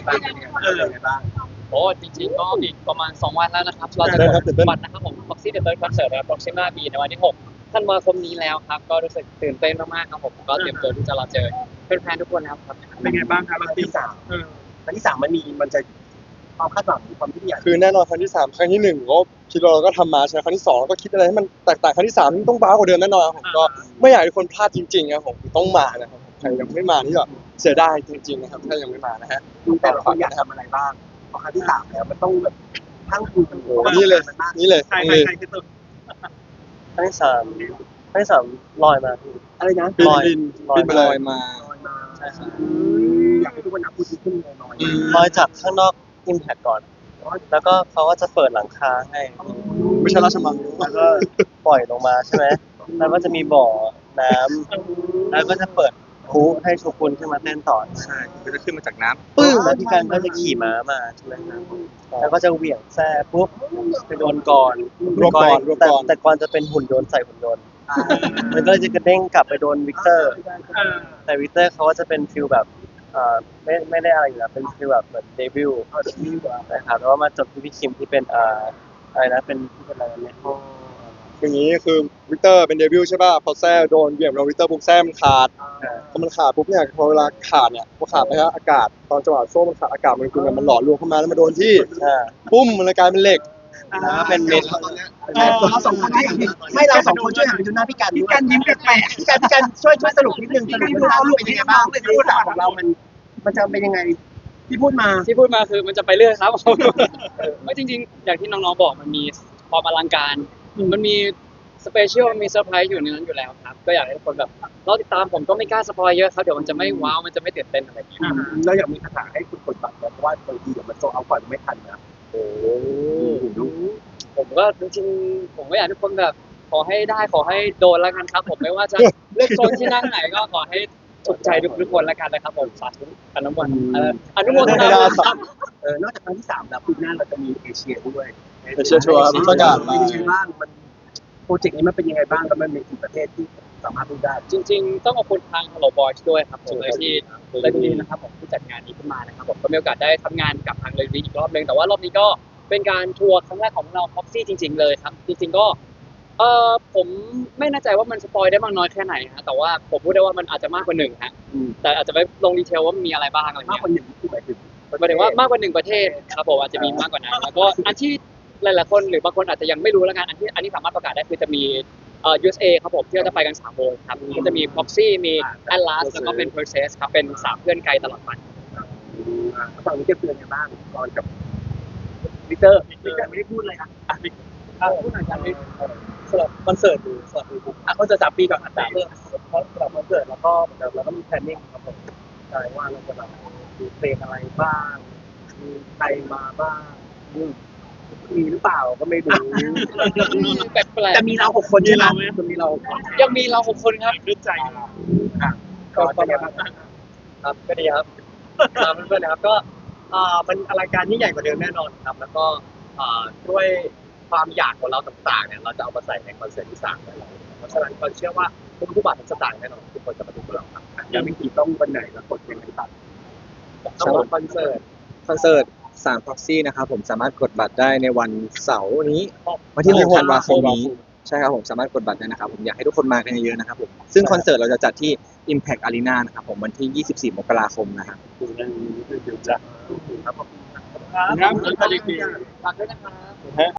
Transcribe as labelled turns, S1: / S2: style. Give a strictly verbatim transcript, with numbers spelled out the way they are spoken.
S1: บ้างเป็นยังไงบ้างเป็นยังไงบ้าง
S2: โอ้จริงๆก็อีกประมาณสองวันแล้วนะครับเราจะกดบัตรนะครับผม Proxy The Third Concert นะครับ Proxima B ในวันที่หกธันวาคมนี้แล้วครับก็รู้สึกตื่นเต้นมากๆครับผมก็เตรียมตัวที่จะรอเจอแฟนๆทุกคนแล้วครับ
S1: เป็นไงบ้างครับวันที่สามวันที่สามมันมีมันจะความคาดหวังความที่อยาก
S3: คือแน่นอนครั้งที่สามครั้งที่หนึ่งก็คิดว่าเราก็ทำมาใช่ไหมครั้งที่สองเราก็คิดอะไรให้มันแตกต่างครั้งที่สามต้องบ้ากว่าเดิมแน่นอนครับผมก็ไม่อยากให้ทุกคนพลาดจริงๆครับผมต้องมานะครับใครยังไม่มานี่ก็เสียดายจริงๆนะครับถ้ายังไม่มานะฮะ
S1: แต่ละคนอยากทำอะไรบ้างพอครั้งที่สามแล้วมันต้องแบบทั้งคุณ
S3: โอ้โหนี่เลยนี่เลย
S1: ใคร
S3: นี่
S1: ใค
S3: เลย
S1: รคือตัว
S4: ครั้งที่สามครั้งที่สามลอยมาพี่
S1: อะไรนะ
S3: บิน
S4: ลอย
S3: บิน
S4: ลอย
S3: บินไปลอยมา
S1: ลอยมา
S4: ใช่ครับ
S1: อยากให้ทุกคนนับพูดขึ้นลอย
S4: ลอยจากข้างนอก Impact ก่อน แล้วก็เขาก็จะเปิดหลังคาให้
S3: ไม่ใช่ราชมัง
S4: แล้วก็ปล่อยลงมาใช่ไหมแล้วก็จะมีบ่อน้ำแล้วก็จะเปิดพลุให้ทุกคนขึ้นมาเต้นต่อ
S3: ใช่ก็จะขึ้นมาจากน้ำ
S4: ปึ้งแล้วพี่กันก็จะขี่ม้ามาใช่ไหมครับแล้วก็จะเหวี่ยงแซ่ปุ๊บไปโดนก่อน
S3: รวบก่อนรวบ
S4: แต่
S3: ก่อน
S4: แต่ก่อนจะเป็นหุ่นยนต์ใส่หุ่นยนต์มันก็เลยจะกระเด้งกลับไปโดนวิกเตอร์ แต่วิกเตอร์เขาก็จะเป็นฟิลแบบเอ่อไม่ไม่ได้อะไรอยู่แล้วเป็นฟิลแบบเหมือนเดบิวต์นะครับแล้วก็มาจบที่พี่คิมที่เป็นเอ่ออะไรนะเป็นที่เป็นอะไรเนี่ย
S3: อย่างนี้คือวิกเตอร์เป็นเดบิวต์ใช่ป่ะพอแซ่โดนเหวี่ยงโดนวิกเตอร์ปุ๊บแซ่มันขาดพอมันขาดปุ๊บเนี่ยพอเวลาขาดเนี่ยพอขาดไปแล้วอากาศตอนจังหวะโซ่มันขาดอากาศมันคือมันหล่อรวมเข้ามาแล้วมาโดนที่
S4: อ่า
S3: ปุ้มมันเลยกลายเป็นเหล็ก
S4: แล้วก็เป็นเม็ด
S1: เราสองคนให้ไม่เราสองคนช่วยหันไปดูหน้าพี่กันพี่กันยิ้มแปลกๆพี่กันพี่กันช่วยช่วยสรุปนิดนึงสรุปเรื่องราวเป็นยังไงบ้างในพูดของเรามันมันจะเป็นยังไงที่พูดมา
S2: ที่พูดมาคือมันจะไปเรื่อยครับ ไม่จริงๆ อย่างที่น้องๆบอกมันมีความอลังการมันมีสเปเชียลมีเซอร์ไพรส์อยู่ในนั้นอยู่แล้วครับก็อยากให้ทุกคนแบบรอติดตามผมก็ไม่กล้าสปอยเยอะครับเดี๋ยวมันจะไม่ว้าวมันจะไม่ตื่นเต้นอะไรอย่างเงี้ย
S1: แล้วอยากมีคาถาให้คุณกดบัตรเพราะว่าบางทีเดี๋ยวมันโซเอาก่อนไม่ทันนะ
S3: โอ้
S2: ผมก็จริงๆผมก็อยากให้ทุกคนแบบขอให้ได้ขอให้โดนแล้วกันครับ ผมไม่ว่าจะเลือกโซนที่นั่งไหนก็ขอให้ถูกใจทุกๆคนแล้วกันนะครับผมสาธุอนุโมทนาเอ่ออนุโมทนาบุญครับ
S1: เออนอกจากครั้งที่สามแล้วปีหน้าเราจะมีเอเชียด้วย
S3: เอเชียทัวร์ประกาศ
S1: เป็
S3: มาน
S1: ยังไงบ้างมันโปรเจกต์นี้มันเป็นยังไงบ้างแล้วมันมีกี่ประเทศที่สามารถพูดได้
S2: จริงๆ ต้องขอบคุณทาง Hello Boys ด้วยครับผมเลยที่เลยที่นะครับผมที่จัดงานนี้ขึ้นมานะครับผมก็มีโอกาสได้ทำงานกับทางเลยอีกรอบนึงแต่ว่ารอบนี้ก็เป็นการทัวร์ครั้งแรกของเรา Proxy จริง ๆ เลยครับ จริง ๆ ก็เออผมไม่แน่ใจว่ามันสปอยได้มากน้อยแค่ไหนฮะแต่ว่าผมพูดได้ว่ามันอาจจะมากกว่าหนึ่งฮะแต่อาจจะไม่ลงดีเทลว่ามันมีอะไรบ้างอะไร
S1: มาก
S2: เงี้ย
S1: กว่าหนึ่งที่หมายถึง
S2: หมายถึงว่ามากกว่าหนึ่งประเทศครับผมอาจจะมีมากกว่านั้นแล้วก็อันที่หลายๆคนหรือบางคนอาจจะยังไม่รู้แล้วกันอันที่อันนี้สามารถประกาศได้คือจะมีเอ่อ ยู เอส เอ ครับผมที่เราจะไปกันสามวงครับก็จะมี Proxy มี Atlas แล้วก็เป็น Process ครับเป็นสามเพื่อนไกลตลอดไป
S1: ฝั่งนี้จะเตือนกันบ้างตอนกับวิกเตอร์วิกเตอร์ไม่ได้พูดเลยอ่ะอ่ะวิกอ่ะพูดหน่อยกันวิกสำหรับคอนเสิร์ตดูสำหรับดูอ่ะคอนเสิร์ตสามปีก่อนอ่ะสามเรื่องเพราะสำหรับคอนเสิร์ตแล้วก็เหมือนเดิมเราก็มีแพลนนิ่งครับผมใช่ว่าเราจะแบบดูเพลงอะไรบ้างมีใครมาบ้างอืมมีหรือเปล่าก็ไม่รู้
S2: แปลก
S1: จะมีเราหกคนใช่ไหมจะมีเรา
S2: ๆยังมีเราหกคนครับ
S1: ด้วยใจอ่ะก็เป็นยังไงบ้าง
S4: ครับก็ดีครับตามเพื่อนๆนะครับก็อ่ามันอลังการที่ใหญ่กว่าเดิมแน่นอนครับ แล้วก็อ่าด้วยความอยากของเราต่างๆเนี่ยเราจะเอามาใส่ในคอนเสิร์ตที่สามของเราเพราะฉะนั้นก็เชื่อว่าทุกผู้บาททุกสตางค์แน่นอนทุกคนจะมาดูพวกเราครับ
S1: แล้ววิธีต้องวันไหนแล้วกดยังไงตัด
S4: สำหรับคอนเสิร์ต
S5: คอนเสิร์ตสาม Proxy นะครับผมสามารถกดบัตรได้ในวันเสาร์นี้วันที่หกธันวาคมนี้ใช่ครับผมสามารถกดบัตรได้นะครับผมอยากให้ทุกคนมากันเยอะๆนะครับผมซึ่งคอนเสิร์ตเราจะจัดที่ Impact Arena นะครับผมวันที่ยี่สิบสี่มกราคมนะครับ
S1: ดูนั่นดูจะครับผม
S2: ครับฝากด้วยนะครับ